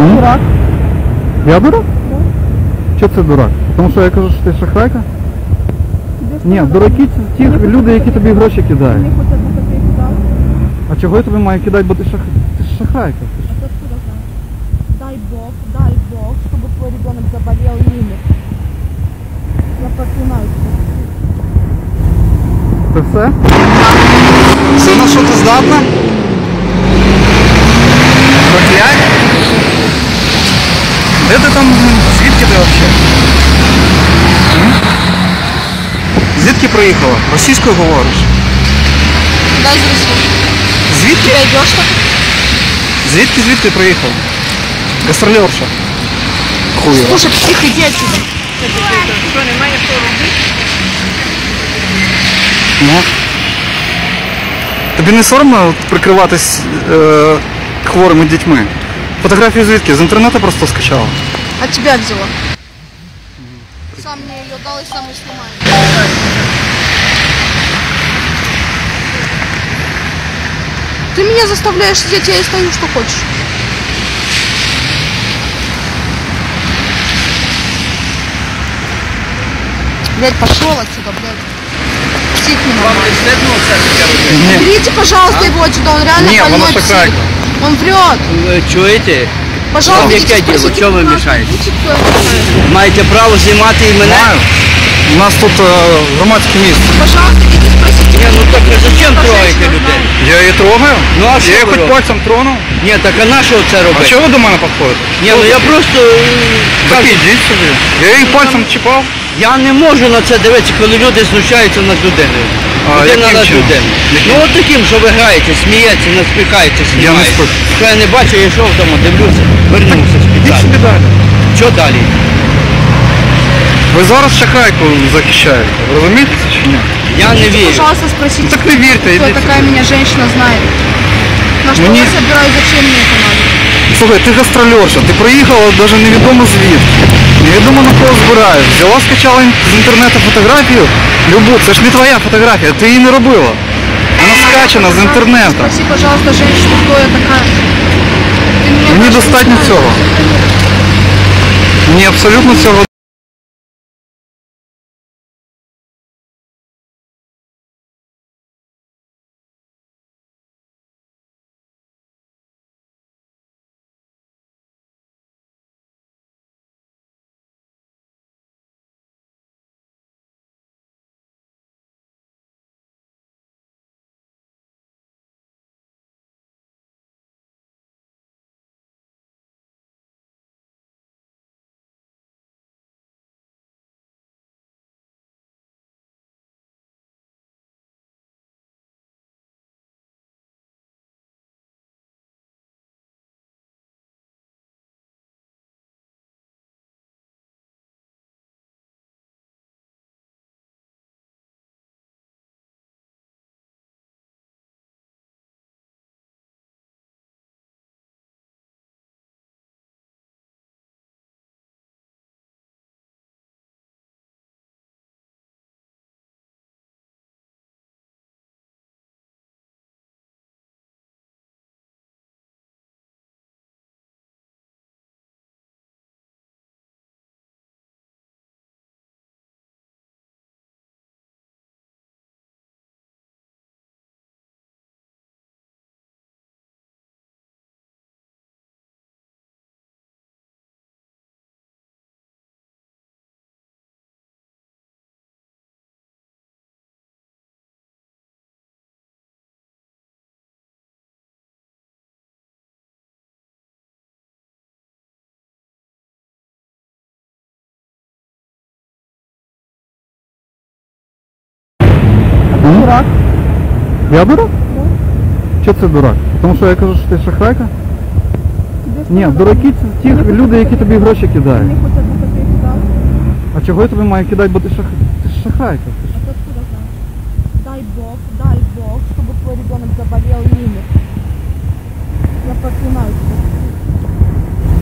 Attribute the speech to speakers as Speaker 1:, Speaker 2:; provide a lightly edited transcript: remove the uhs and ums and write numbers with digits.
Speaker 1: Дурак.
Speaker 2: Я дурак?
Speaker 1: Да.
Speaker 2: Чого це дурак? Тому що я кажу, що ти шахрайка?
Speaker 1: Тебе
Speaker 2: Ні,
Speaker 1: что,
Speaker 2: дураки це ті
Speaker 1: Мені
Speaker 2: люди, які тобі гроші
Speaker 1: Мне
Speaker 2: кидають.
Speaker 1: хоть одну копейку дал.
Speaker 2: А чого я тобі маю кидати, бо ти ж шахрайка?
Speaker 1: А ты откуда знаешь? Дай Бог, чтобы твой ребенок заболел и умер. Я проклинаю тебя.
Speaker 2: Це все? Все, на що ти здатна? Проклять? Де ти там, звідки ти взагалі? Звідки приїхала? Російською говориш?
Speaker 1: Да, из России.
Speaker 2: Звідки?
Speaker 1: Ты идешь так?
Speaker 2: Звідки приїхала? Гастролерша. Хуєва.
Speaker 1: Слушай, псих, иди отсюда.
Speaker 3: Що, немає що робити?
Speaker 2: Ну. Тобі не соромно от прикриватись хворими дітьми? Фотографію звідки? З інтернету просто скачала?
Speaker 1: От тебя взяла. Сам мне ее дал и сам и снимает. Ты меня заставляешь сидеть, я и стою, что хочешь. Блядь, пошел отсюда, блядь. Псих не
Speaker 3: Вам
Speaker 1: нормальный.
Speaker 3: не стидно це таке робити?
Speaker 2: Ні.
Speaker 1: Уберите, пожалуйста, его отсюда, он реально
Speaker 2: Не,
Speaker 1: больной
Speaker 2: она
Speaker 1: псих.
Speaker 2: шахрайка.
Speaker 1: Он врет.
Speaker 3: Ви чуєте?
Speaker 1: Пожалуйста,
Speaker 3: Вам
Speaker 1: идите
Speaker 3: яке діло?
Speaker 1: спросите,
Speaker 3: Чого ви
Speaker 1: пожалуйста,
Speaker 3: мішаєте?
Speaker 1: идите, кто я такая.
Speaker 3: Маєте право знімати і мене?
Speaker 2: Знаю. У нас тут громадське місце.
Speaker 1: Пожалуйста, идите спросите.
Speaker 3: Ні, ну так ви зачем трогаєте людей?
Speaker 2: Я її трогаю?
Speaker 3: Ну, а
Speaker 2: я
Speaker 3: що
Speaker 2: її
Speaker 3: ви
Speaker 2: хоч
Speaker 3: робите?
Speaker 2: пальцем тронув?
Speaker 3: Ні, так а на що це
Speaker 2: А
Speaker 3: робити?
Speaker 2: чого ви до мене підходите?
Speaker 3: Ні, ну я просто
Speaker 2: Так
Speaker 3: кажу,
Speaker 2: ідіть собі. Я її пальцем чіпав.
Speaker 3: я не можу на це дивитися, коли люди знущаються над людиною.
Speaker 2: А
Speaker 3: Людина
Speaker 2: яким
Speaker 3: над
Speaker 2: чином?
Speaker 3: людиною.
Speaker 2: Яким?
Speaker 3: Ну от таким, що ви граєте, смієтеся, насміхаєте,
Speaker 2: Я не
Speaker 3: знімаєте.
Speaker 2: спорю.
Speaker 3: Що я не бачу, я йшов вдома, дивлюся, вернувся
Speaker 2: Ідіть
Speaker 3: спеціально.
Speaker 2: собі далі.
Speaker 3: Що далі?
Speaker 2: Ви зараз шахрайку захищаєте. Ви розумієте це чи ні?
Speaker 3: Я не вірю.
Speaker 1: Пожалуйста, спросите.
Speaker 2: Ну так не вірте,
Speaker 1: Кто
Speaker 2: ідіть
Speaker 1: такая
Speaker 2: собі.
Speaker 1: меня женщина знает. На что
Speaker 2: Мне-
Speaker 1: я собираюсь, зачем мне это надо?
Speaker 2: Слухай, ти гастрольорша, ти приїхала навіть невідомо звідки. Невідомо на кого збираєш. Взяла, скачала з інтернету фотографію. Любу, це ж не твоя фотографія, ти її не робила. Вона скачана з інтернету.
Speaker 1: Спроси, пожалуйста, женщину, кто я такая. Ты меня
Speaker 2: Мені
Speaker 1: даже не
Speaker 2: достатньо
Speaker 1: знаешь.
Speaker 2: цього. Мені абсолютно цього.
Speaker 1: Дурак.
Speaker 2: Я дурак?
Speaker 1: Да.
Speaker 2: Чого це дурак? Тому що я кажу, що ти шахрайка?
Speaker 1: Тебе что,
Speaker 2: Ні,
Speaker 1: надо?
Speaker 2: дураки це ті люди, які тобі гроші кидають.
Speaker 1: Мне хоть одну копейку дал.
Speaker 2: А чого я тобі маю кидати, бо ти ж шахрайка?
Speaker 1: А ты откуда знаешь? Дай Бог, чтобы твой ребенок заболел и умер. Я проклинаю тебя.